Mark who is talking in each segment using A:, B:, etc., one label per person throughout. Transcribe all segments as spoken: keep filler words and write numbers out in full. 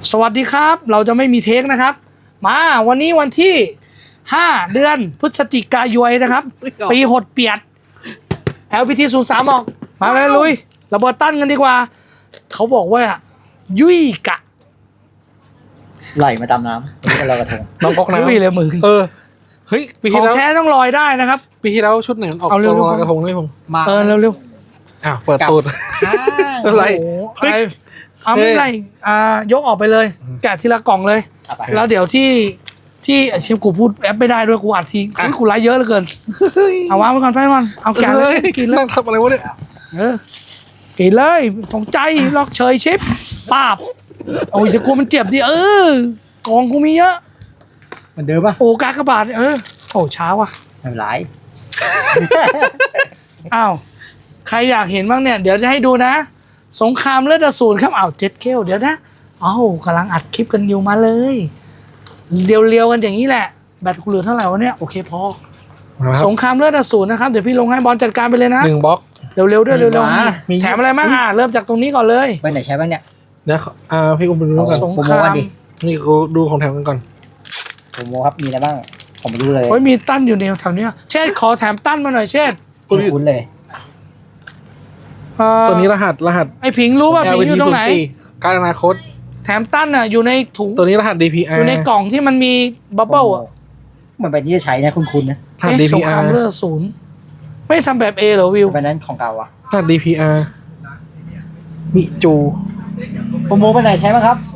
A: สวัสดีครับเราจะไม่มีเทคนะครับมาวันนี้วันที่ห้าเดือนพฤศจิกายนนะครับปีหดเปียด แอล พี ที ศูนย์ สาม ออกมาเลยลุยระเบิดตั้นกันดีกว่าเขาบอกว่ายุ่ยกะ
B: ไหลมาตามน้ำนี่เป็นลอยกระทง
C: น้องก๊อกน้ำ
A: ยุ่ยเลยมึง
C: เออเฮ้ยปี
A: ข
C: ที่
A: อง
C: แล้ว
A: แท้ต้องลอยได้นะครับ
C: ปีที่แล้วชุดไหนมันออก
A: เอาเร็
C: ตัว
A: วๆ
C: ลอยกระทงด้วยผม
B: มา
A: เออเร็ว
C: อ้าวเปิดตูด
B: อ้าว
C: อะไร
A: ๆโอ้โหอะไรเอาไม่เป็นไรอ่ายกออกไปเลยแกะทีละกล่องเลย
B: เอาไป
A: แล้วเดี๋ยวที่ที่ไอ้เชฟกูพูดแอปไม่ได้ด้วยกูอัดทีอุ๊ยกูไลฟ์เยอะเหลือเกินเอาวางไว้ก่อนไปก่อนเอาแกะเลยกินเลย
C: นั่งทำอะไรวะเนี่ย
A: เออกินเลยสนใจล็อกเชยชิปป้าบโอ้ยจะกลัวมันเจ็บดิเออกองกูมีเยอะ
B: เหมือนเดิมป่ะ
A: โอ้กากระบาดเออโอ้เช้าว่ะ
B: ไม่เป็นไร
A: อ้าวใครอยากเห็นบ้างเนี่ยเดี๋ยวจะให้ดูนะ สงครามเลือดอสูรครับอ้าวเจ็ดเคลเดี๋ยวนะอ้าวกำลังอัดคลิปกันอยู่มาเลยเรียวๆกันอย่างนี้แหละแบตกูเหลือเท่าไหร่วะเนี่ยโอเคพอ
C: มาค
A: ส
C: รับ
A: งครามเลือดอสูรนะครับเดี๋ยวพี่ลงให้บอลจัดการไปเลยนะ
C: หนึ่งบล็อก
A: เร็วๆด้วยเร็ว
C: มี
A: ๆแถมอะไรบ้างอ่ะเริ่มจากตรงนี้ก่อนเลย
B: ไปไหนใช้บ้างเนี่ย
C: เดี๋ยวอ่าพี่อุ้มไปดูกัน
A: สง
B: โปร
A: ค
B: โม
A: รา
B: กัน
A: ม
B: ดิ
C: นี่กูดูของแถมกันก่อน
B: โปรโมครับมีอะไรบ้างผมไม่รู้เลย
A: โอ้ยมีตั้นอยู่ในแถวเนี้ยเชษขอแถมตั้นมาหน่อยเชษ
B: คุณคุ้นเลย
A: เอ่อ
C: ตัวนี้รหัสรหัส
A: ไอ้ผิงรู้ป่ะผิงอยู่ตรงไหน
C: การอนาคต
A: แถมตั้นอ่ะอยู่ในถุง
C: ตัวนี้รหัส ดี พี
A: อ
C: อาร์
A: ยู่ในกล่องที่มันมีบับเบิ้ลอ่ะ
B: เหมือนใบนี้จะใช้นะคุณคุณนะ
C: รหัส
A: เอ๊ะ
C: ดี
A: ส
C: พี
A: งค
C: อาร
A: าม
C: ร์
A: เลือดศูนย์ไม่ทำแบบเอเหรอวิว
B: ใบนั้นของเก่าอ่ะ
C: รหัส ดี พี อาร์ มิจู
B: โปรโมไปไหนใช้บ้างครับ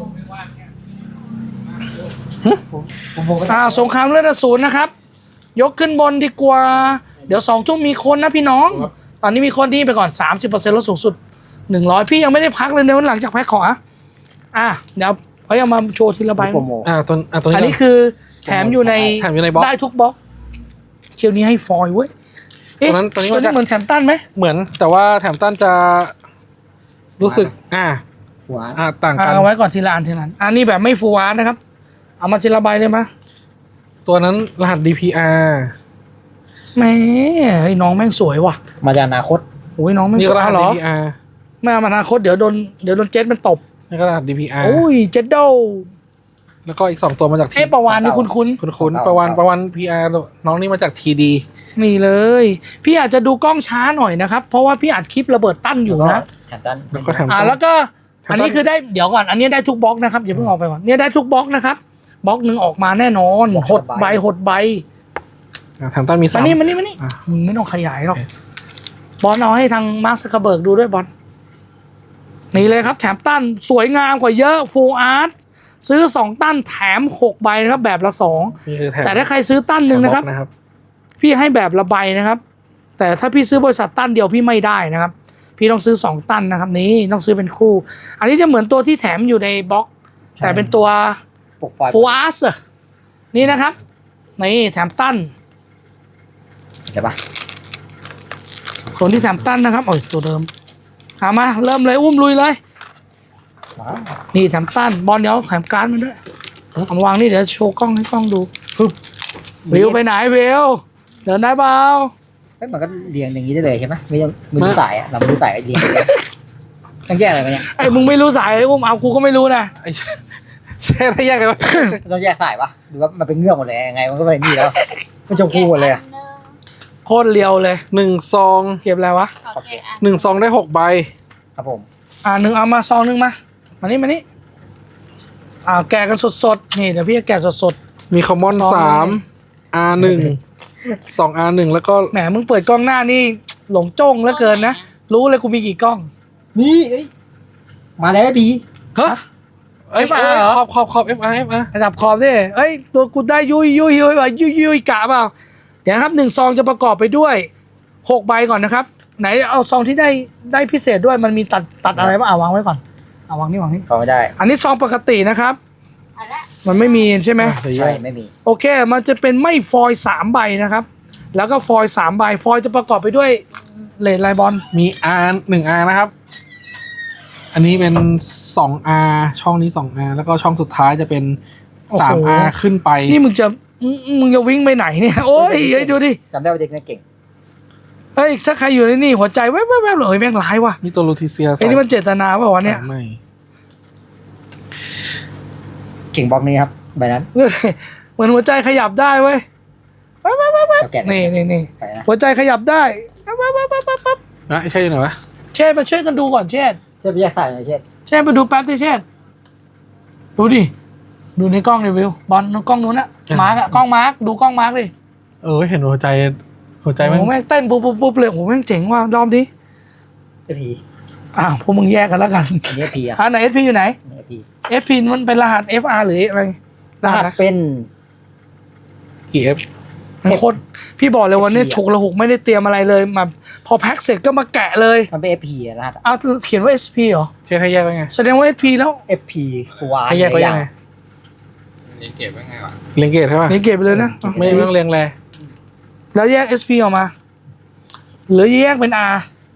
B: โปรโมไปไหน
A: อ่าสงครามเลือดศูนย์นะครับ ยกขึ้นบนดีกว่า เดี๋ยวสองทุ่มมีคนนะพี่น้อง ตอนนี้มีคนที่ไปก่อน สามสิบเปอร์เซ็นต์ลดสูงสุดหนึ่งร้อยพี่ยังไม่ได้พักเลยเดี๋ยวหลังจากแพ็คของอ่ะอ่ะเดี๋ยวเขายังมาโชว์ทีละใบ
B: โปรโม
C: อ่าตัวอ่าตัวนี้
A: อันนี้
C: ก่
A: คือแถมอยู่ใน
C: แถมอยู่ในบล็อก
A: ได้ทุกบล็อกเที่ยวนี้ให้ฟอยล์เว้ยเอ๊ะ
C: ตัวนั้นตัวนี้
A: ตัว
C: มา
A: นี้
C: จาก
A: เหมือนแถมตั้นไหม
C: เหมือนแต่ว่าแถมต้านจะรู้สึก อ่า
B: หัว
C: อ่าต่าง
A: อ่ะ
C: กัน
A: เอาไว้ก่อนทีละอันทีละอันอันนี้แบบไม่ฟูอาร์ตนะครับ เอามาทีละใบเลยมะ
C: ตัวนั้นรหัส ดี พี อาร์
A: แหม่เฮ้ยน้องแม่งสวยว่ะ
B: มาจากอนาคต
A: โอ้ยน้องแม่ง
C: นี่
A: ส
C: ก็
A: วย
C: รหัส
A: เหร
C: ดี
A: อ
C: พีอาร์
A: ไม่เอามาอนาคตเดี๋ยวโดนเดี๋ยวโดนเจ็ตมันตบ
C: นี่ก็รหัส ดี พี อาร์
A: โอ้ยเจ็ตโด
C: แล้วก็อีกสองตัวมาจากที
A: เอ๊ะประวานนี่คุ้น
C: คุณคุณประวันประวัน พี อาร์ น้องนี่มาจาก ที ดี
A: ๆนี่เลย พี่อาจจะดูกล้องช้าหน่อยนะครับ เพราะว่าพี่อัดคลิประเบิดตั้นอยู่นะ
B: แถมตัน
C: แล้วก็แถม
A: อ่า
C: ต้น
A: แล้วก็
C: แถมต้น
A: อันนี้คือได้เดี๋ยวก่อน อันนี้ได้ทุกบล็อกนะครับอย่าเพิ่งออกไปก่อนเนี่ยได้ทุกบล็อกนะครับบล็อกหนึ่งออกมาแน่นอนหดใบหดใบ
C: อ่าแถมต้นมีสา
A: มาม นี่มานี่มานี่
C: อ่ะ
A: มึงไม่ต้องขยายหรอก
C: โอเค
A: บอลเอาให้ทางมาร์คซักเคอร์เบิร์กดูด้วยบอลนี่เลยครับแถมตั้นสวยงามกว่าเยอะฟูลอาร์ตซื้อสองตั้นแถมหกใบนะครับแบบละสอง
C: นี่คือแถม
A: แต่ถ้าใครซื้อตั้นหนึ่งนะครับ
C: แถมบล็อกนะครับ
A: พี่ให้แบบละใบนะครับ แต่ถ้าพี่ซื้อบริษัทตั้นเดียวพี่ไม่ได้นะครับ พี่ต้องซื้อสองตั้นนะครับนี่ต้องซื้อเป็นคู่ อันนี้จะเหมือนตัวที่แถมอยู่ในบล็อก แต่เป็นตัว
B: ปกไฟ
A: ฟูอาร์สนี่นะครับนี่แถมตั้น
B: เดี๋ยวปะ
A: ตัวที่แถมตั้นนะครับโอ้ยตัวเดิมหามาเริ่มเลยอุ้มลุยเลย
B: ว้าว
A: นี่แถมตั้นบอลเดี๋ยวแถมการ์ดมาด้วยเอามาวางนี่เดี๋ยวโชว์กล้องให้กล้องดูวิวไปไหนวิวเดินได้เปล่า
B: เฮ้ยมันก็เรียงอย่างนี้ได้เลยใช่ไหมไม่ต้องไม่รู้สายอ่ะเราไม่รู้สายก็เรียงต้องแยกอะไรกันเนี่ย
A: ไอ้มึงไม่รู้สายเลยอุ้มเอากูก็ไม่รู้นะ
C: ไอ้แช่ได้ยากเลยวะ
B: ต้องแยกสายปะหรือว่ามันเป็นเงือกหมดเลยยังไงมันก็เป็นนี่แล้วมันชมพูหมดเลยอะ
A: โคตรเลียวเลย
C: หนึ่งซอง
A: เก็บอะไรวะ
D: ขอแกะอัน
C: หนึ่งซองได้หกใบ
B: ครับผม
A: อ่าหนึ่งเอามาซองหนึ่งมามานี่มานี่อ่าแกะกันสดๆนี่เดี๋ยวพี่จะแกะสด
C: มีคอมมอน
A: ซอง
C: สาม อาร์หนึ่งสองอาร์หนึ่งแล้วก็
A: ๆแหมมึงเปิดกล้องหน้านี่หลงจ้องเหลือเกินนะรู้เลยกูมีกี่กล้อง
B: นี่เอ้ยมาแล้วพี่
C: ฮะเอ้ย
A: เอฟอาร์
C: เอ้ย
A: เหรอ
C: ขอบขอบขอบ เอฟ อาร์ เอฟ อาร์
A: ระดับขอบดิเอ้ยตัวกูได้ยุยยุยยุยว่ะยุยยุยกะเปล่าเดี๋ยวนะครับหนึ่งซองจะประกอบไปด้วยหกใบก่อนนะครับ ไหนเอาซองที่ได้ได้พิเศษด้วยมันมีตัดตัดอะไรบ้างเอาวางไว้ก่อนเอาวางนี่วางนี่
B: เข้าไม่ได้
A: อันนี้ซองปกตินะครับ
D: อันละ
A: มันไม่มีใช่ไหม
C: เดี๋ยวแย
B: ใช่
C: ก
B: ไม่มี
A: โอเค มันจะเป็นไม่ฟอยล์สามใบนะครับ แล้วก็ฟอยล์สามใบฟอยล์จะประกอบไปด้วยเลนไลบอล
C: มี R หนึ่ง R นะครับ อันนี้เป็นสอง R ช่องนี้สอง R แล้วก็ช่องสุดท้ายจะเป็นสาม R ขึ้นไป
A: นี่มึงจะมึงมึงจะวิ่งไปไหนเนี่ยโอ้ยเฮ้ยดูดิ
B: จำได้ว่าเด็กนี่เก่ง
A: เฮ้ยถ้าใครอยู่ในนี่หัวใจแวบๆๆเลยแม่งร้ายว่ะ
C: มีตัวลูทิเซีย
A: ไอ้นี่มันเจตนาเปล่าวะเนี่ย
C: ไม่
B: ข่งบล็อกนี้ครับใบนั้น
A: เหมือนหัวใจขยับได้เว้ย
B: เอาแกะ
A: นี่นี่นี่
B: ไปนะ
A: หัวใจขยับได้ปั๊บปั๊บปั๊บปั๊บปั๊บ
C: นะใช่ไหนวะ
A: เชษมาช่วยกันดูก่อนเชษ
B: เช่นไปแยกสายหน่อยเช่น
A: เชษมาดูแป๊บดิเชษดูดิดูในกล้องรีวิวบอลกล้องนู้นอะมาร์กอะกล้องมาร์กดูกล้องมาร์กดิ
C: เออเห็นหัวใจหัวใจ
A: โอ้
C: มัน
A: โหแม่งเต้นปุ๊บปุ๊บปุ๊บเลยโอ้โหแม่งเจ๋งว่ะรอบนี้
B: เอพี
A: อ้าวพวกมึงแยกกันแล้วกัน
B: อันนี้พีอ่ะ
A: อ่าไหน เอส พี อยู่ไหน
B: เอพี
A: เอส พี มันเป็นรหัส เอฟ อาร์ หรืออะไร
B: รหัส
A: นะ
B: เป็น
C: กี่เอฟ
A: มันโคตรพี่บอกเลยวันนี้
B: เอฟ พี
A: ฉุกระหุกไม่ได้เตรียมอะไรเลยมาพอแพ็คเสร็จก็มาแกะเลย
B: มันเป็นเอพีอะรหัส
A: เอาเขียนว่า เอส พี เหรอ
C: เช็คให้แยกไว้ไง
A: แสดงว่า เอส พี แล้ว
B: เอพีฟูอาร์
C: ให้แยกไว้ยังไง
D: เรียนเก็บไว้ไงวะ
C: เรียงเกตใช่ป่ะ
A: นี่เก็บไปเลยนะ
C: ไม่ไม่ต้องเรียงแร
A: แล้วแยก เอส พี ออกมา หรือแยกเป็น R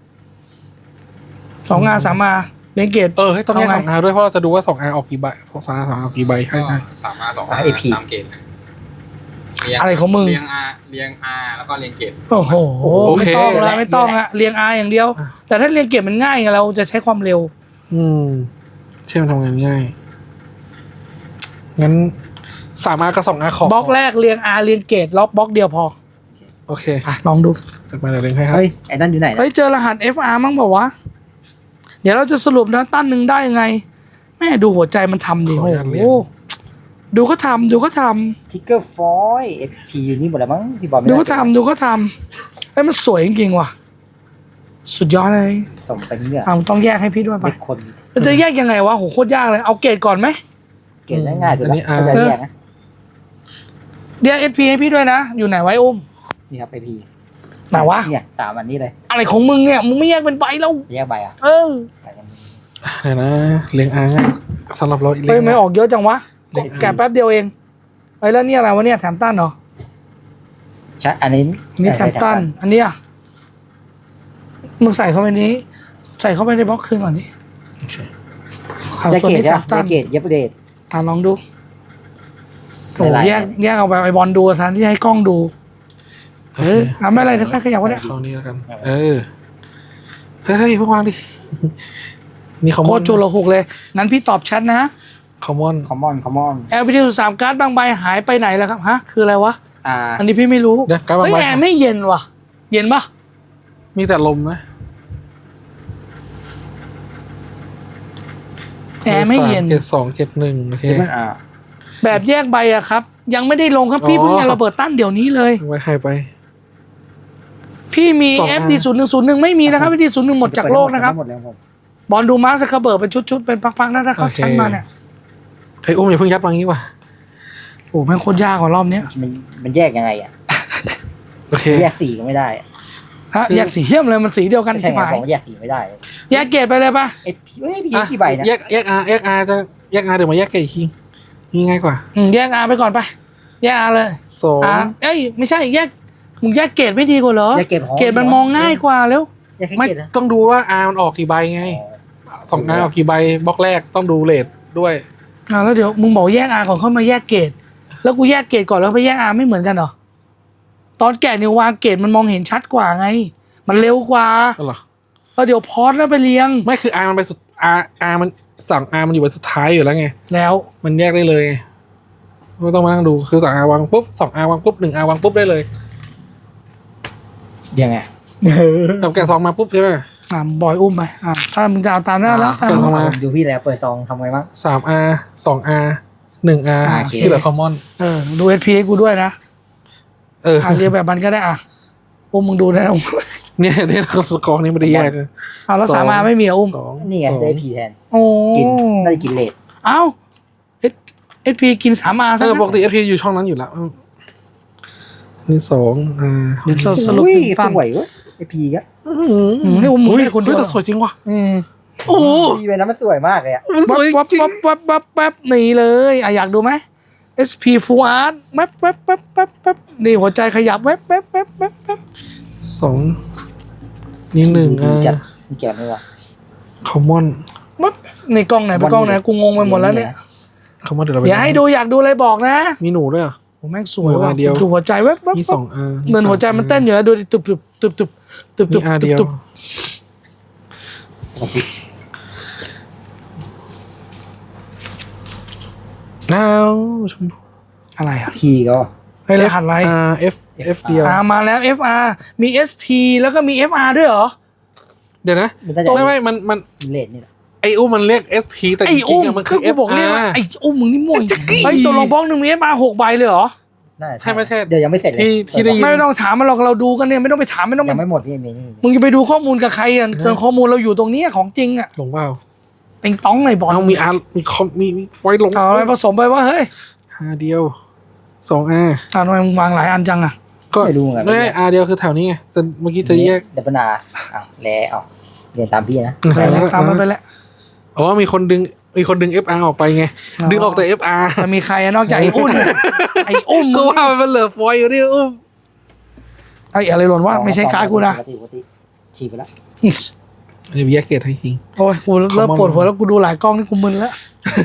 A: สอง R สาม R เรียงเกต
C: เออให้ต้องแยก
A: เอา
C: ส
A: ไง
C: องอาด้วยเพราะเราจะดูว่าสองอาออกกี่ใบสองอาสองออกกี่ใบใช่ใช่
D: สามารถสอง
B: อ่ะ เอพี
D: ตามเกณฑ์นะเรียง
A: อะไรของมึง
D: เรียง R เรียง R แล้วก็เรียงเกณฑ์
A: โอ้โหไม่ต้องละไม่ต้องละเรียง R อย่างเดียว แต่ถ้าเรียงเกตมันง่ายไงเราจะใช้ความเร็ว
C: อืมเช่นมันทำงานง่ายงั้นสามอากับสองอาขอบ
A: ล็อกแรกเรียง R เรียงเกตล็อกบล็อกเดียวพอ
C: โอเค
A: อ่ะลองดู
C: จัดมาเดี๋ยวเรียงให้ครับ
B: เฮ้ยไอ้นั่นอยู่ไหนนะ
A: เฮ้ยเจอรหัส เอฟ อาร์ มั้งบอกว่าเดี๋ยวเราจะสรุปนะตั้นหนึ่งได้ยังไง แม่ดูหัวใจมันทำดิ
C: ขอ
A: โอ้
C: อนุญาตเรียน
A: โหดูก็ทำดูก็ท
B: ทิกเกอร์ฟอยเอพีอยู่นี่หมดแล้วมั้งพี่บอลไม่
A: ำดู
B: ได้
A: ก็ทำดูก็ทำไอ้ยมันสวยจริงๆว่ะ สุดยอดเลย
B: สมเป็นเนี่ย
A: อ่ะมันต้องแยกให้พี่ด้วย
B: เด็
A: ปะ
B: กคน
A: มันจะแยกยังไงวะโหโคตรยากเลยเอาเกรดก่อนไหม
B: เก่งง่ายๆสุด
C: อันนี้
B: แล้ว
C: อ่า
B: ถ้าจะแยกนะ
A: เรียก เอส พี ให้พี่ด้วยนะ อยู่ไหนไว้อุ้ม
B: นี่ครับเอพี
A: ไหนวะ
B: เนี่ยสามอันนี้เลย
A: อะไรของมึงเนี่ยมึงไม่แยกเป็นใบแล้ว
B: แยกใบอ่ะ
A: เออ
B: ใบกัน
C: เดี๋ยวนะเรียงอาง่ายสำหรับเรา
A: เฮ้ยไม่
C: ง่าย
A: ออกเยอะจังวะ
C: เรียง R
A: แกะแป๊บเดียวเองเฮ้ยแล้วเนี่ยอะไรวะเนี่ยแถมตันเหรอ
B: ใช่อันนี้
A: อันนี้แถมตัน อันนี้อ่ะมึงใส่เข้าไปนี้ ใส่เข้าไปในบล็อกคืนก่อนดิ
C: โอเค
A: เอา
B: แยก
A: ส่วน
B: เกต
A: นี้
B: ใช่
A: แถ
B: ไหม
A: มตัน
B: แยกเกตเย็บเดท
A: อ่ะลองดูโอ้
B: หลายๆ
A: แยกแยกเอาไปไอบอลดูแทนที่ให้กล้องดู เออทำไม่อะไรเดี๋ยวค่อยขยับก็ได้
C: เข้านี่แล้วกัน เออเฮ้ยพวกวางดินี่คอม
A: โค
C: มอ
A: ต
C: น
A: รจุลหกเลย งั้นพี่ตอบแชทนะ
C: คอมมอน
B: คอมมอนคอมมอน
A: แอลพีทีสามการ์ดบางใบหายไปไหนแล้วครับ ฮะ คืออะไรวะ
B: อ่า
A: อันนี้พี่ไม่รู้
C: เดี๋ยวการบาง
A: เฮ้ย
C: ใบ
A: แอร์ไม่เย็นว่ะ เย็นปะ
C: มีแต่ลมนะ
A: แอร์ไม่เย็น
C: เกตสองเกตหนึ่งโอเค
B: เดี๋ยวมันอ่า
A: แบบแยกใบอะครับ ยังไม่ได้ลงครับพี่
C: อ๋อ
A: เพิ่งจะระเบิดตั้นเดี๋ยวนี้เลย
C: ไว้ให้ไป
A: พี่มี
C: สอง
A: เอ
C: อั
A: ฟ
C: น
A: ดีศูนย์หนึ่งศูนย์หนึ่งไม่มีนะครับเอฟดีศูนย์หนึ่งหมดจากโลกนะครับ
B: หมดแล้วผม
A: บอลดูมาร์คซักเคอร์เบิร์กเป็นชุดๆเป็นพักๆนะถ้าเขาชั้นมาเนี่ย
C: เฮ้ยอุ้มอย่าเพิ่งยัดวางงี้ว่ะ
A: โอ้แม่งโคตรยากกว่ารอบเนี้ย
B: มันมันแยกยังไงอ่ะ
C: โอเค
B: แยกสีก็ไม่ได้อะ
A: ฮะแยกสีเหี้ยมเลยมันสีเดียวกัน
B: ไม่ใช่
A: ใช่
B: ไง
A: ไหม
B: ผมว่าแยกสีไม่ได้
A: แยกเกรดไปเลยปะ
B: เอพีเฮ้ยพี่
C: อ่ะ
B: กี่ใบนะ
C: แยกแยกอาแยกอาจะแยกอาเดี๋ยวมาแยกเกตอีกทีนี่ง่ายกว่า
A: อืมแยกอาไปก่อนไปแยกอาเลย
C: สอง
A: อาเอ้ยไม่ใช่แยกมึงแยกเกรดไม่ดีกว่าเหรอ
B: แยกเกรดของ
A: เกรดมันมองง่ายกว่าแล้ว
B: แยกแค่
C: ไม่
B: เกรดนะ
C: ต้องดูว่าอามันออกกี่ใบไง
B: อ๋อ
C: สองอาออกกี่ใบบล็อกแรกต้องดูเลทด้วย
A: อ่าแล้วเดี๋ยวมึงบอกแยกอาก่อนค่อยมาแยกเกรดแล้วกูแยกเกรดก่อนแล้วไปแยกอาไม่เหมือนกันเหรอตอนแกะนิววางเกรดมันมองเห็นชัดกว่าไง มันเร็วกว่า
C: ก็เหรอ
A: แล้วเดี๋ยวพอสแล้วไปเรียง
C: ไม่คืออามันไปสุดอาอามันสั่งอามันอยู่บนสุดท้ายอยู่แล้วไง
A: แล้ว
C: มันแยกได้เลยไงไม่ต้องมานั่งดูคือสั่งอาวางปุ๊บสองอาวางปุ๊บหนึ่งอาวางปุ๊บได้เลย
B: ยังไง
C: ทำแกะซองมาปุ๊บใช่ไหม
A: อ่าบอยอุ้มไปอ่าถ้ามึงจะเอาตามนั้นแล้วตาม
C: เกิด
A: นั้น
C: เข้ามา
B: ผมดูพี่แล้วเปิดซองทำไงบ้าง
C: สามอาสองอาหนึ่งอา
B: อ่าโอเค
C: ที่เหลือคอมมอน
A: เออดูเอสพีให้กูด้วยนะ
C: เออ
A: อ่าเรียงแบบมันก็ได้อ่ะอุ้มมึงดูนะอุ้ม
C: เนี่ยเนี่ยสกอร์นี้ไม่ได้แยกเลย
A: อ่าแล้วสามอาไม่มีเหรออุ้ม
C: สอง
B: นี่ไง
C: สอง
B: ได้พีแทน
A: โอ้
B: กินได้กินเลท
A: เอ้าเอสเอสพีกินสามอา
C: เอ
A: ซะ
C: อ
A: งั้น
C: ปกติเอฟพีอยู่ช่องนั้นอยู่แล้วเออนี่สองอ่า
A: เดี๋ยวจะสรุป
B: อุ้ย
A: หนึ่ง
B: ส
A: ตั้น
B: วยเว้ยไอพีก็
C: อื
A: อืมนี่อุ้ม
C: อุ้ย
A: ไม่ได้คนเดียว
C: เฮ้ยแต่สวยจริงว่ะ
B: อืม
C: โอ้โห
B: พีใบนั้นมันสวยมากเลยอ่ะ
C: มันส
A: วับ
C: วย
A: วับ
C: จริง
A: วับวับวับวับนี่เลยอ่ะอยากดูไหม เอส พี Full Art แวบแวบแวบแวบแวบนี่หัวใจขยับแวบแวบแวบแวบแวบ
C: สองนี่หนึ่ง
B: ดี
C: อ่ะ
B: จัดมันเกี่ยวนี่วะ
C: คอมมอน
A: วับในกล้องไหนไปกล้องไหนกูงงไปหมดแล้วเนี่ย
C: คอมมอนเดี๋ยวเราไป
A: อย่าให้ดูอยากดูอะไรบอกนะ
C: มีหนูด้วยเหรอ
A: โอ้แม่งสวยว่ะ
C: หัวเดียว
A: ดูหัวใจแวบแวบ
C: มี
A: แว
C: ส
A: บ
C: องอา
A: เหมือนหัวใจมันเต้นอยู่นะดูดิตุบตุบตุบตุบตุบตุ
C: มี
A: บ
C: อา
A: ตุ
C: เดี
A: บ
C: ยว
A: ตุบ
B: โอเค
C: อ้าวชมพู
A: อะไรอ่ะ
B: พีก็
A: เฮ้ยรหัสอะไร
C: R F F เดียว
A: อ่ามาแล้ว เอฟ อาร์ มี เอส พี แล้วก็มี เอฟ อาร์ ด้วยเหรอ
C: เดี๋ยวนะ
B: มันน่าจะ
C: ไม่ไม่มันมัน
B: เลทนี่แหละ
C: ไออุ้มมันเรียก เอส พี แต่จ
A: ไอ้
C: ริ
A: อุ้
C: ง
A: ม
C: ๆอะมัน
A: คื
C: คือ อ
A: กูบอกเรียกว่า
C: F R
A: ไอ้อุ้มมึงนี่ม่วง
C: จะกี้
A: ไอ้ตัวลงบล็อกหนึ่งมี เอฟ อาร์ หกใบเลยเหรอ
B: น่าจะ
C: ใช่ไหมใช่
B: เดี๋ยวยังไม่เสร็จเลย
C: ที่ที่ได้ยิน
A: ไม่ต้องถามมันหรอกเราดูกันเนี่ยไม่ต้องไปถามไม่ต้องไป
B: ยังไม่หมดพี่เมนี่
A: มึงจะไปดูข้อมูลกับใครอ่ะส่วนข้อมูลเราอยู่ตรงเนี้ยของจริงอ่ะ
C: หลงเปล่า
A: ติงต้องในบอล
C: เอามีอาร์มีคอมมีมีไฟล์ลง
A: เอาอะไรผสมไปว่าเฮ้ย
C: หาเดียวสอง R
A: อ่าทำไมมึงวางหลายอันจังอ่ะ
C: ก็
B: ไม่รู้เหมือนกัน
C: ไม่ R เดียวคือแถวนี้ไงแต่เมื่อกี้จะแยก
B: เดบนาอ้าวแล้วเอาเรียนตามพี่นะ
C: อืม
A: ไปแล้วตามมันไปแล้ว
C: อ๋อมีคนดึงมีคนดึง เอฟ อาร์ ออกไปไง
A: อ๋อ
C: ดึงออกแต่ เอฟ อาร์
A: จะมีใครอะนอกจากไอ้อุ้มไอ้อุ้ม
C: ก็
A: มึง
C: ว่ามันเหลือฟอยล์อยู่นี่อุ้ม
A: ไอ้อะไรหล่นวะไม่ใช่การ์ดกูนะ
B: ปกติปกติฉีกไปแล้ว
C: เดี๋ยวแยกเกตให้จริง
A: โอ้ยกูเริ่มปวดหัวแล้วกูดูหลายกล้องนี่กูมึนแล้ว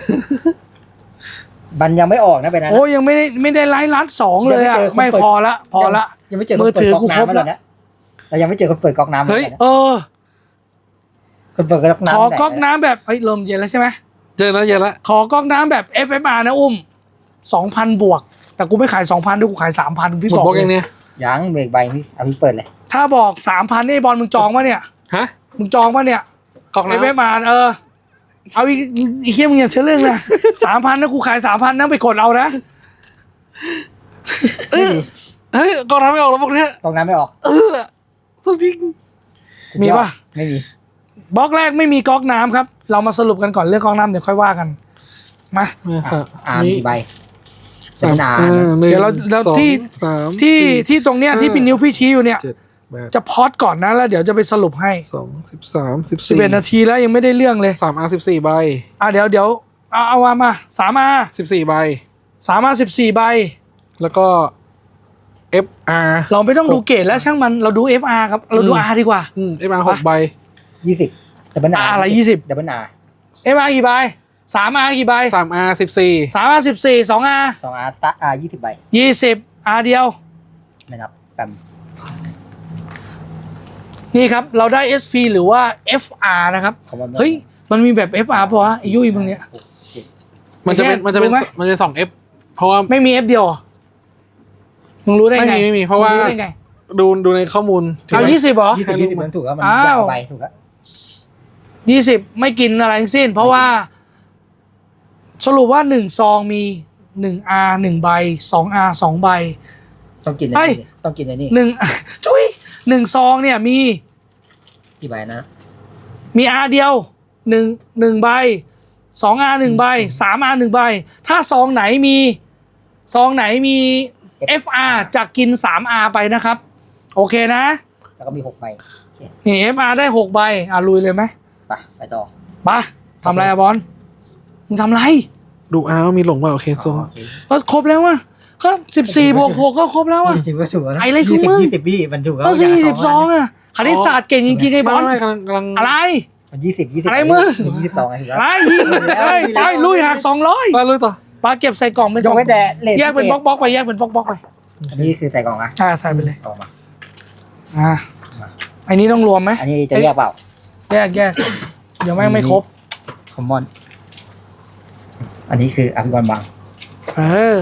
B: มันยังไม่ออกนะเป็นนั้น
A: โอ้ยยังไม่ได้ไม่ได้ไลฟ์ล้านสองเลยอ่ะไม่พอละพอละ
B: ยังไม่เจอ
A: มือถือกูครบ
B: แล้ว
A: แล้ว
B: นะเรายังไม่เจอคนเปิดก๊อกน้ำ
C: เฮ้ย
A: เออ
B: คนเปิดก๊อกน้ำ
A: ขอก๊อกน้ำแบบเอ้ยลมเย็นแล้วใช่ไหม
C: เจอแล้วเจอแล้ว
A: ขอก๊อกน้ำแบบ เอฟ เอฟ อาร์ นะอุ้มสองพันบวก แต่กูไม่ขายสองพันด้วยกูขายสามพันพี่
C: หมด
A: บอก
C: บล็อก
A: เล
C: ยัง
A: ย
C: เนี่ย
B: ยังเบรกใบพี่เอาพี่เปิดเลย
A: ถ้าบอกสามพันนี่บอลมึงจองปะเนี่ย
C: ฮะ
A: มึงจองปะเนี่ย
C: กล่อง
A: เอฟ
C: น้ำ
A: เอฟ อาร์ เออเอาอีกอีกเขี้ยมึงอย่าเชื่อเรื่องนะสามพันนะกูขายสามพันนะไปกดเอานะ
C: เออเฮ้ยกล่องน้ำไม่ออกแล้วพวกเนี้ย
B: ก๊อกน้ำไม่ออก
C: เออสุดจริง
A: มีปะ
B: ไม่มี
A: บล็อกแรกไม่มีก๊อกน้ำครับ เรามาสรุปกันก่อนเรื่องก๊อกน้ำเดี๋ยวค่อยว่ากันมา
C: เนี่ยสาม
B: อาร์มกี่ใบ
C: สาม
B: นาน
C: อ่าหนึ่ง
A: เดี๋ยวเราเรา
C: สอง
A: ที่
C: สาม
A: ที่
C: สี่
A: ที่ตรงเนี้ยที่พี่นิ้วพี่ชี้อยู่เนี่ย
C: เจ็ดแปด
A: จะพอดก่อนนะแล้วเดี๋ยวจะไปสรุปให้
C: สองสิบสามสิบ
A: สิบ
C: สี่
A: เอ็ดนาทีแล้วยังไม่ได้เรื่องเลย
C: สามอาร์สิบสี่ใบ
A: อ่ะเดี๋ยวเดี๋ยวเอาเอามามาสามอา
C: สิบสี่ใบ
A: สามอาสิบสี่ใบ
C: แล้วก็ เอฟ อาร์
A: เราไม่ต้องดูเกรดแล้วช่างมันเราดู เอฟ อาร์ ครับเราดู
C: อืม
A: R ดีกว่า
C: อืม เอฟ อาร์ หกใบ
B: ยี่สิบดับเบิลอา
A: อะไรยี่สิบ
B: ดับเบิลอา
A: เอฟ อาร์ กี่ใบสามอากี่ใบ
C: สามอาร์สิบสี่
A: สามอาสิบสี่สองอา
B: สองอาร์ตะอายี่สิบใบ
A: ยี่สิบอาเดียว
B: ไม่นับแปม
A: นี่ครับเราได้ เอส พี หรือว่า เอฟ อาร์ นะครับ
B: คำว่า
A: เฮ้ยมันมีแบบ เอฟ อาร์ ป่ะวะไอ้ยุ้ยมึงเนี่ย
B: หกเจ็ด
C: มันจะเป็น
A: ไม่ใช่
C: มันจะเป็น
A: รู้ไหม
C: มันจะสอง F เพราะว่า
A: ไม่มี F เดียวเหรอมึงรู้ได้
C: ไม่
A: ไง
C: มีไม่มีเพราะว่า
A: มึงรู้ได้ไง
C: ดูดูในข้อมูล
A: เอายี่สิบเหรอ
B: ยี่สิบยี่สิบมันถูกแล้วมัน
A: อ้าว
B: ยาวใบถูกแล้ว
A: ยี่สิบไม่กินอะไรทั้งสิ้น เพราะว่า สรุปว่าหนึ่งซองมีหนึ่งอาหนึ่งใบสองอาสองใบ
B: ต้องกินใน
A: เฮ้ย
B: นี่ต้องกินในนี่
A: หนึ่ง จุ้ยหนึ่งซองเนี่ยมี
B: กี่ใบนะ
A: มีอาเดียวหนึ่งหนึ่งใบสองอาหนึ่งใบสามอาหนึ่งใบ ถ้าซองไหนมี ซองไหนมี เอฟ อาร์ จะกินสามอาไปนะครับ โอเคนะ
B: แล้วก็มีหกใบโอเค
A: นี่ เอฟ อาร์ ได้หกใบอ่ะลุยเลยไหม
B: ไปไปต่อ
A: ไปทำอะไรอะบอลมึงทำไร
C: ดูอ้าวมีหลงเปล่าโอเค
B: อ๋
C: ส่ง
B: อโอเค
A: ก็ครบแล้วอะก็สิบสี่บวกหกก็ครบแล้วอะ
B: จริงๆก็ถูกแล้วนะ
A: ไอ้อะไรของมึง
B: ยี่สิบยี่สิบมันถูกแล้ว
A: ก็สี่
B: ย่า
A: สิบสองอะคณิตศาสตร์เก่งจริงๆไอ้บอล
C: ไม่ไม่กำลังกำลัง
A: อะไร
B: มันยี่สิบยี่สิบ
A: อะไรมึง
B: ยี่สิบสองไงถูกแล้ว
A: อะไรยิงไปไปลุยหักสองร้อย
C: มาลุยต่อ
A: ปลาเก็บใส่กล่องเป็น
B: ย
A: ก
B: ก
A: ล่อง
B: ไว้แต่เลท
A: แยกเป็นบล็อกบล็อกๆไปแยกเป็นบล็อกบล็อกๆไป
B: อันนี้คือใส่กล่องอะ
A: อ่าใส่ไปเลย
B: ออกมา
A: อ่าอันนี้ต้องรวมไหม
B: อันนี้จะแยกเปล่า
A: แยกแยกเดี๋ยวแม่งไม่ครบ
B: คอมมอน อันนี้คืออภิบาลบาง
A: เออ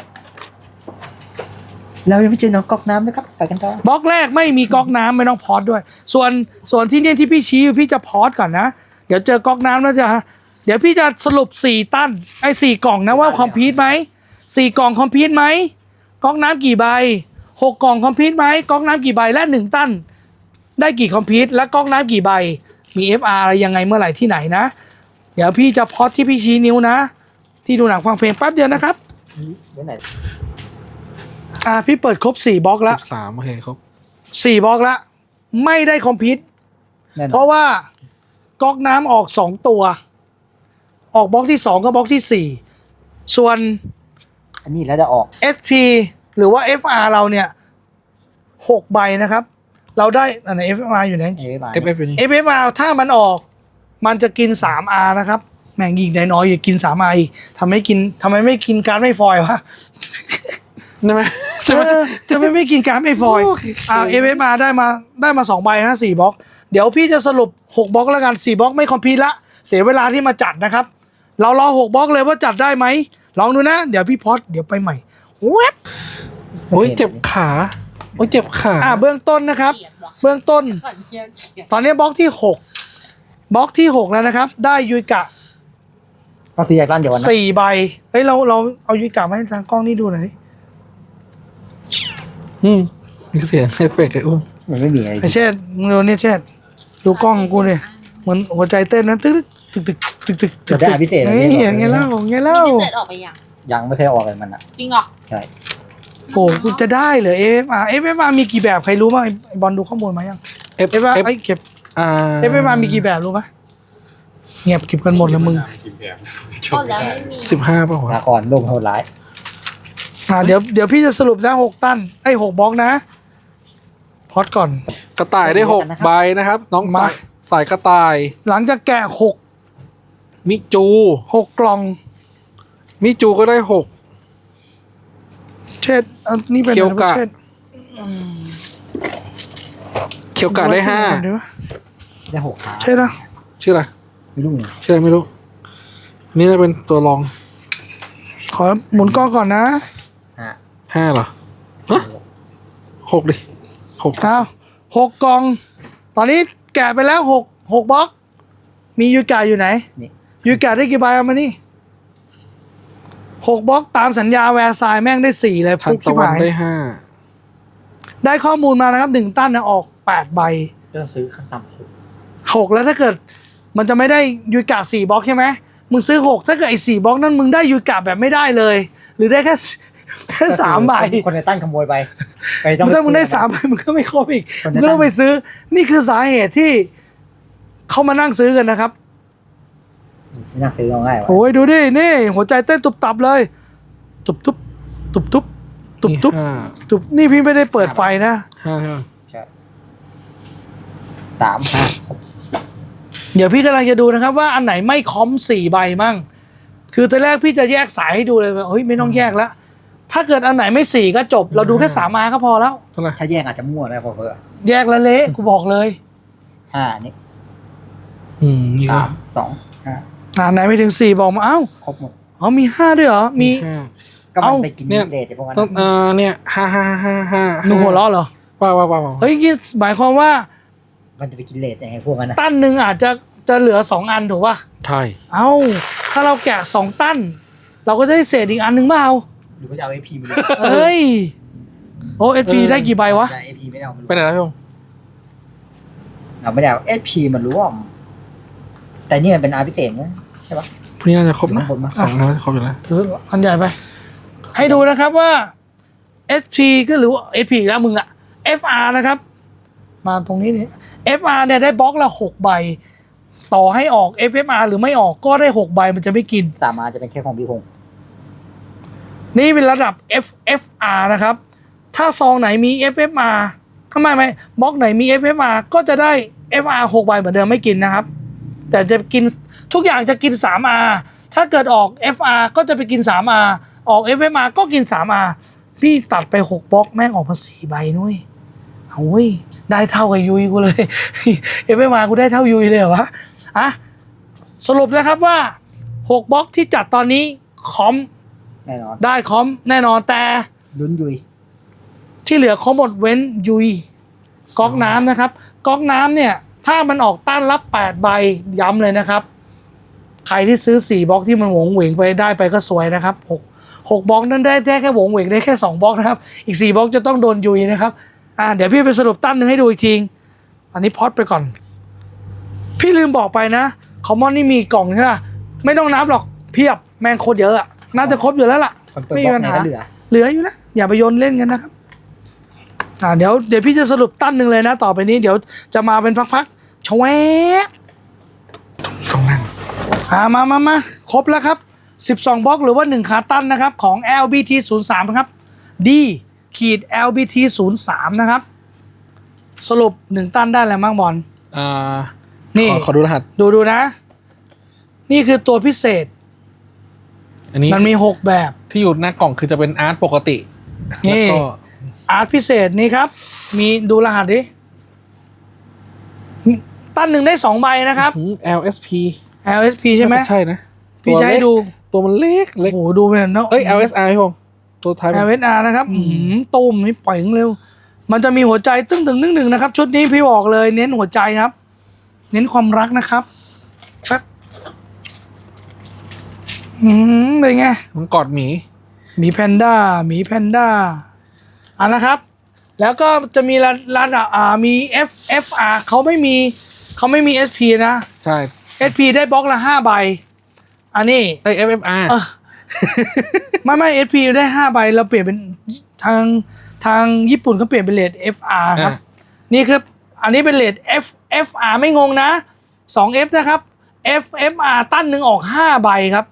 B: เรายังไม่เจอน้องก๊อกน้ำนะครับ ไปกันต่อบ
A: ล็อกแรกไม่มีก๊อกน้ำไม่ต้องพอดด้วย ส่วนส่วนที่เนี่ยที่พี่ชี้พี่จะพอดก่อนนะ เดี๋ยวเจอก๊อกน้ำแล้วจะเดี๋ยวพี่จะสรุปสี่ตั้นไอ้สี่กล่องนะว่าคอมพิวต์ไหมสี่กล่องคอมพิวต์ไหมก๊อกน้ำกี่ใบหกกล่องคอมพิวต์ไหมก๊อกน้ำกี่ใบและหนึ่งตั้นได้กี่คอมพิวต์และก๊อกน้ำกี่ใบมี เอฟ อาร์ อะไรยังไงเมื่อไหร่ที่ไหนนะ เดี๋ยวพี่จะพอดที่พี่ชี้นิ้วนะ ที่ดูหนังฟังเพลงแป๊บเดียวนะครับ
B: ไว้ไหน
A: อ่าพี่เปิดครบสี่บล็อกแล้ว
C: สิบสามโอเคครบ
A: สี่บล็อกแล้วไม่ได้คอมพิวต์
B: แน่น
A: เพ
B: อน
A: ราะว่าก๊อกน้ำออกสองตัว ออกบล็อกที่สองกับบล็อกที่สี่ส่วน
B: อันนี้แล้วจะออก
A: เอส พี หรือว่า เอฟ อาร์ เราเนี่ยหกใบนะครับ เราได้อันไหน เอฟ อาร์ อยู่ไหน
B: เอฟมา
C: เอฟเอฟอยู่นี่
A: เอฟ อาร์ ถ้ามันออก มันจะกิน สาม อาร์ นะครับ แม่งยิงได้น้อยอย่ากิน สาม อาร์ อีกทำไมกินทำไมไม่กินการ์ดไม่ฟอยล์วะ
C: ใช่ไหมใช่ไหม
A: เออจะไม่ไม่กินการ์ดไม่ฟอยล์
C: โอเค
A: อ่า เอฟ อาร์ ได้มาได้มาสองใบฮะสี่บล็อก เดี๋ยวพี่จะสรุปหกบล็อกแล้วกันสี่บล็อกไม่คอมพิวต์ละเสียเวลาที่มาจัดนะครับเรารอหกบล็อกเลยว่าจัดได้ไหมลองดูนะ เดี๋ยวพี่พอดเดี๋ยวไปใหม่เว็บ
C: โอ้ยเจ็บขาโอ้ยเจ็บขา
A: อ่าเบื้องต้นนะครับ เบื้องต้น ตอนนี้บล็อกที่หกบล็อกที่หกแล้วนะครับ ได้ยุยกะ
B: ก็ซื้อจากร้านเดียวกันนะ
A: สี่ใบเฮ้ยเราเราเอายุยกะมาให้ทางกล้องนี่ดูหน่อยดิ
C: อืมมีเสียงเอฟเฟกต์ไอ้อ้วน
B: มันไม่มีอะไร
A: ไอเชษมึงดูเนี่ยเชษดูกล้องของกูเนี่ยเหมือนหัวใจเต้นนะตึกตึกตึกตึกตึกตึ
B: จะ
A: ก
B: ได้
A: ตึก
B: พิเศษ
A: เฮ้ยอย่างเงี้ยเล่าอย่างเงี้ยเล่า
E: มีพิเศษออกไปยัง
B: ยังไม่เคยออกเลยมันอ่ะ
E: จริงเหรอ
B: ใช่
A: โอ้กูจะได้เหรอเอฟอาร์เอฟเอฟอาร์มีกี่แบบใครรู้บ้างไอ้บอลดูข้อมูลมายัง
C: เอฟ
A: เอฟอาร์
C: เอฟ
A: ไอ้เก็บ
C: อ่า
A: เอฟเอฟอาร์มีกี่แบบรู้ปะเงียบเก็บกันหมดแล้วมึง
D: กินแบบ
E: ก็แล้วไม่มี
C: สิบห้าป่าวะ
B: ลาครโลกโหดร้าย
A: อ่าเดี๋ยวเดี๋ยวพี่จะสรุปนะหกตันไอ้หกบล็อกนะพอดก่อน
C: กระต่ายได้หกใบนะครับ น้อง
A: มา
C: สายสายกระต่าย
A: หลังจากแกะหก
C: มิจู
A: หกกล่อง
C: มิจูก็ได้หก
A: เช็ดอันนี่เป็น
C: เคียวกะ
A: เช็ด
C: เคียวกะได้ห้า
A: เดี๋ยวนะ
B: ได้หกขา
A: เช็ดนะ
C: ชื่ออะไร
B: ไม่รู้ไง
C: ชื่ออะไรไม่รู้ นี่จะเป็นตัวรอง
A: ขอหมุนกล้องก่อนนะ
B: อ่ะ
C: ห้าเหรอฮะหกดิหก
A: เอาหกกล่อง ตอนนี้แกะไปแล้วหกหกบล็อก มียูกะอยู่ไหน
B: นี่
A: ยูกะได้กี่ใบเอามานี่หกบล็อกตามสัญญาแวร์ไซน์แม่งได้สี่เลย
C: ทั
A: ฟุ
C: น
A: ก
C: ตะ
A: ที่
C: วัน
A: หาย
C: ได้ห้า
A: ได้ข้อมูลมานะครับหนึ่งตั้นนะออกแปดใบ
B: เริ่มซื้อขั้นต่ำหก
A: หกแล้วถ้าเกิด มันจะไม่ได้ยูกะสี่บล็อกใช่ไหมมึงซื้อหกถ้าเกิดไอ้สี่บล็อกนั้นมึงได้ยูกะแบบไม่ได้เลย หรือได้แค่ แค่สามใบ
B: คนในตั้นขโมยไปไป
A: มึงถ้ามึงได้สามใบมึงก็ไม่ครบอีก
B: คน
A: มึ
B: ใน
A: งก็
B: ตั้
A: ต้อง
B: น
A: ไปซื้อ นี่คือสาเหตุที่เขามานั่งซื้อกันนะครับ
B: ไม่น่าซื้อเอาง่ายวะ
A: โอ้ยดูดินี่หัวใจเต้นตุบตับเลย ตุบตุบตุบตุบตุบตุบ
C: ห้า
A: ตุบนี่พี่ไม่ได้เปิดไฟนะ
C: ห้าใช่ไหม
B: ใช่สามห้าหก
A: เดี๋ยวพี่กำลังจะดูนะครับว่าอันไหนไม่คอมสี่ใบมั่ง คือตอนแรกพี่จะแยกสายให้ดูเลยว่าเฮ้ยไม่ต้องแยกแล้ว ถ้าเกิดอันไหนไม่สี่ก็จบ เราดูแค่สามมาก็พอแล้ว
C: เท่าไหร่
B: ถ้าแยกอาจจะมั่วได้พอเพื่อ
A: แยกแล้วเละกูบอกเลย
B: ห้านี่
C: อืมนี่ก็
B: สามสองห้า
A: อ่าไหนไม่ถึงสี่บอกมาเอ้า
B: ครบหมด
A: อ๋อมีห้าด้วยเหรอมี
C: ห้า
B: ก็มัน
A: เอ้า
B: ไปกิน
C: เนี่ย
B: เดทไอ้พวกนั้น
C: ต้องเอ่อเนี่ยห้าห้าห้าห้า
A: หนูหัวเราะเหรอ
C: ว้าวว้าวว้าว
A: เฮ้ยนี่หมายความว่า
B: มันจะไปกินเลทไอ้พวกนั้นนะ
A: ตั้นหนึ่งอาจจะจะเหลือสองอันถูกป่ะ
C: ใช่
A: เอ้าถ้าเราแกะสองตั้น เราก็จะได้เศษอีกอันหนึ่งเปล่า
B: หรือว่าจะเอาไอพีมาดู
A: เฮ้ยโอ้เอสพีได้กี่ใบวะ
B: ไอพีไม่ได้เอามาดู
C: ไปไหนแล้วพี่พงษ์
B: เอาไม่ได้เอาเอพีมันร่วม แต่นี่มันเป็นอาร์พิเศษนะใช่ปะ
C: พรุ่งนี้น่าจะครบนะ
B: อยู่ข้างบนปะ
C: สองน่าจะครบอยู่แล้ว
A: ถืออันใหญ่ไป ให้ดูนะครับว่า เอส พี ก็หรือว่า เอส พี อีกแล้วมึงอะ เอฟ อาร์ นะครับ มาตรงนี้นี่ เอฟ อาร์ เนี่ยได้บล็อกละหกใบ ต่อให้ออก เอฟ เอฟ อาร์ หรือไม่ออกก็ได้หกใบมันจะไม่กิน
B: สามอาร์จะเป็นแค่ของพี่พงษ์
A: นี่เป็นระดับ เอฟ เอฟ อาร์ นะครับ ถ้าซองไหนมี เอฟ เอฟ อาร์ ทำไมไหมบล็อกไหนมี เอฟ เอฟ อาร์ ก็จะได้ เอฟ อาร์ หกใบเหมือนเดิมไม่กินนะครับ แต่จะกินทุกอย่างจะกิน สาม อาร์ ถ้าเกิดออก เอฟ อาร์ ก็จะไปกิน สาม อาร์ ออก เอฟ เอฟ อาร์ ก็กิน สาม อาร์ พี่ตัดไปหกบล็อกแม่งออกมาสี่ใบนุ้ยโอ้ยได้เท่ากับยุยกูเลย เอฟ เอฟ อาร์ กูได้เท่ายุยเลยเหรอวะอ่ะสรุปนะครับว่าหกบล็อกที่จัดตอนนี้คอม
B: แน่นอน
A: ได้คอมแน่นอนแต่
B: ลุ้นยุย
A: ที่เหลือคอมหมดเว้นยุยก๊อกน้ำนะครับก๊อกน้ำเนี่ย ถ้ามันออกต้านรับแปดใบย้ำเลยนะครับ ใครที่ซื้อสี่บล็อกที่มันหวงเหวงไปได้ไปก็สวยนะครับหกหกบล็อกนั้นได้ได้แค่หวงเหวงได้แค่สองบล็อกนะครับ อีกสี่บล็อกจะต้องโดนยุยนะครับอ่าเดี๋ยวพี่ไปสรุปตั้นหนึ่งให้ดูอีกทีอันนี้พอดไปก่อน พี่ลืมบอกไปนะคอมมอนนี่มีกล่องใช่ไหมไม่ต้องนับหรอกเพียบแม่งโคตรเยอะอะน่าจะครบอยู่แล้วล่ะ
B: คนเปิดบล็อกไหนก็เหลือ
A: เหลืออยู่นะอย่าไปโยนเล่นกันนะครับอ่าเดี๋ยวเดี๋ยวพี่จะสรุปตั้นหนึ่งเลยนะ ต่อไปนี้เดี๋ยวจะมาเป็นพักๆชแวบ
C: ต้องนั่ง
A: อ่ามามามาครบแล้วครับสิบสองบล็อกหรือว่าหนึ่งขาตั้นนะครับของ แอล บี ที ศูนย์ สาม นะครับ D ขีด แอล บี ที ศูนย์ สาม นะครับ สรุปหนึ่งตั้นได้แล้วมั้งบอล
C: อ่า
A: นี่
C: ขอขอดูรหัส
A: ดูดูนะ นี่คือตัวพิเศษ
C: อันนี้
A: มันมีหกแบบ
C: ที่อยู่หน้ากล่องคือจะเป็นอาร์ตปกติ
A: นี่
C: แล้วก็
A: อาร์ตพิเศษนี่ครับ มีดูรหัสดิตั้นหนึ่งได้สองใบนะครับ
C: อืม แอล เอส พี
A: แอล เอส พี ใช่ไหม
C: ใช่นะ
A: พี่จะให้ดู
C: ตัวมันเล็กเล็ก
A: โอ้โหดูไปเนาะ
C: เอ้ย แอล เอส อาร์ พี่ผมตัวท้าย
A: แอลเอสอาร์นะครับอืมตูมนี่ปล่อยเร็ว มันจะมีหัวใจตึ้งถึงนึ่งหนึ่งนะครับ ชุดนี้พี่บอกเลยเน้นหัวใจครับ เน้นความรักนะครับครับอืมเป็นไง
C: มันกอดหมี
A: หมีแพนด้าหมีแพนด้าอ่ะนะครับ แล้วก็จะมีร้านร้านอ่ามี F F R เขาไม่มีเขาไม่มี เอส พี นะ
C: ใช่
A: เอส พี ได้บล็อกละห้าใบ อันนี้
C: ไอ้ เอฟ เอฟ อาร์
A: เออไม่ไม่ เอส พี ได้ห้าใบเราเปลี่ยนเป็นทางทางญี่ปุ่นเขาเปลี่ยนเป็นเลท เอฟ อาร์ ครับ นี่คืออันนี้เป็นเลท F F R ไม่งงนะ สอง F นะครับ F F R ตั้นหนึ่งออกห้าใบครับ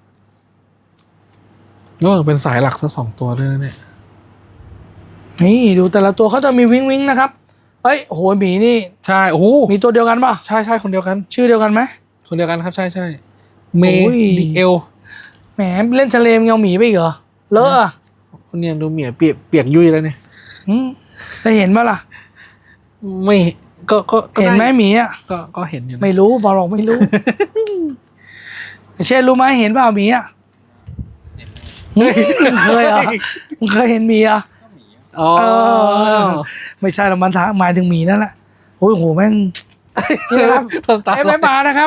C: ก็เป็นสายหลักซะสองตัวด้วยนะเนี่ย
A: นี่ดูแต่ละตัวเขาจะมีวิงวิงนะครับเอ้ยโหหมีนี่
C: ใช่ โอ้โห
A: มีตัวเดียวกันป่ะ
C: ใช่ใช่คนเดียวกัน
A: ชื่อเดียวกันไหม
C: คนเดียวกันครับ ใช่ใช่เม
A: โอ้ย
C: ดิเอล
A: แหมเล่นทะเลมเงาหมีไปอีกเหรอเลอะอะ
C: คนเนี้ยดูเหมียเปียกเปียกยุ่ยแล้วเนี่ย
A: อืมได้เห็นปะล่ะ
C: ไม่ก็ก็ก็
A: เห็นไหม
C: ด้
A: หมีอ่ะ
C: ก็ก็เห็นอยู่นะ
A: ไม่รู้บอกไม่รู้ เช่นรู้ไหมเห็นเปล่าหมีอ่ะมึงเคยเหรอมึงเคยเห็นหมีอ่ะ
C: อ๋อ
A: เออ ไม่ใช่หรอกมันทางหมายถึงหมีนั่นแหละโอ้ยโหแม่งนี่นะครับ
C: ทำตาม
A: เอฟเอฟอาร์นะครับ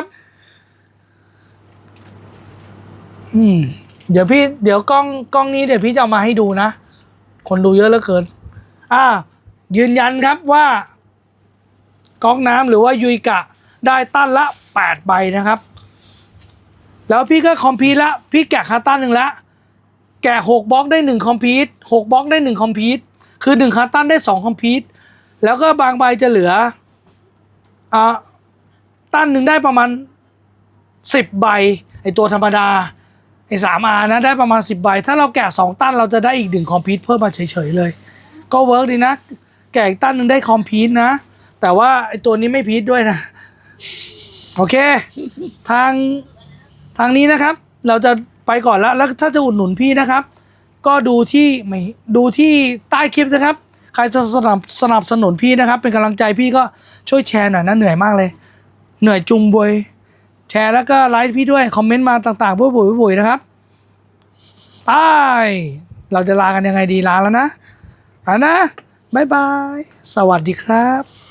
A: อืม เดี๋ยวพี่เดี๋ยวกล้องกล้องนี้เดี๋ยวพี่จะเอามาให้ดูนะ คนดูเยอะเหลือเกิน อ่า ยืนยันครับว่าก๊อกน้ำหรือว่ายุยกะได้ตั้นละแปดใบนะครับ แล้วพี่ก็คอมพีทละพี่แกะคาตั้นหนึ่งละแกะหกบล็อกได้หนึ่งคอมพีทหกบล็อกได้หนึ่งคอมพีทคือหนึ่งคาตั้นได้สองคอมพีทแล้วก็บางใบจะเหลืออ่าตั้นหนึ่งได้ประมาณสิบใบไอตัวธรรมดาไอสามอานะได้ประมาณสิบใบถ้าเราแกะสองตั้นเราจะได้อีกหนึ่งคอมพีทเพิ่มมาเฉยๆเลย ก็เวิร์กดีนะ แกะอีกตั้นหนึ่งได้คอมพีทนะ แต่ว่าไอตัวนี้ไม่พีทด้วยนะ โอเค ทางทางนี้นะครับ เราจะไปก่อนแล้วแล้วถ้าจะอุดหนุนพี่นะครับ ก็ดูที่ไม่ดูที่ใต้คลิปนะครับ ใครจะสนับสนับสนุนพี่นะครับ เป็นกำลังใจพี่ก็ช่วยแชร์หน่อยนะเหนื่อยมากเลย เหนื่อยจุงบวยแชร์แล้วก็ไลค์พี่ด้วยคอมเมนต์มาต่างๆบุ้ยบุ๋ยบุ๋ยนะครับไปเราจะลากันยังไงดีลาแล้วนะอ่ะนะบ๊ายบายสวัสดีครับ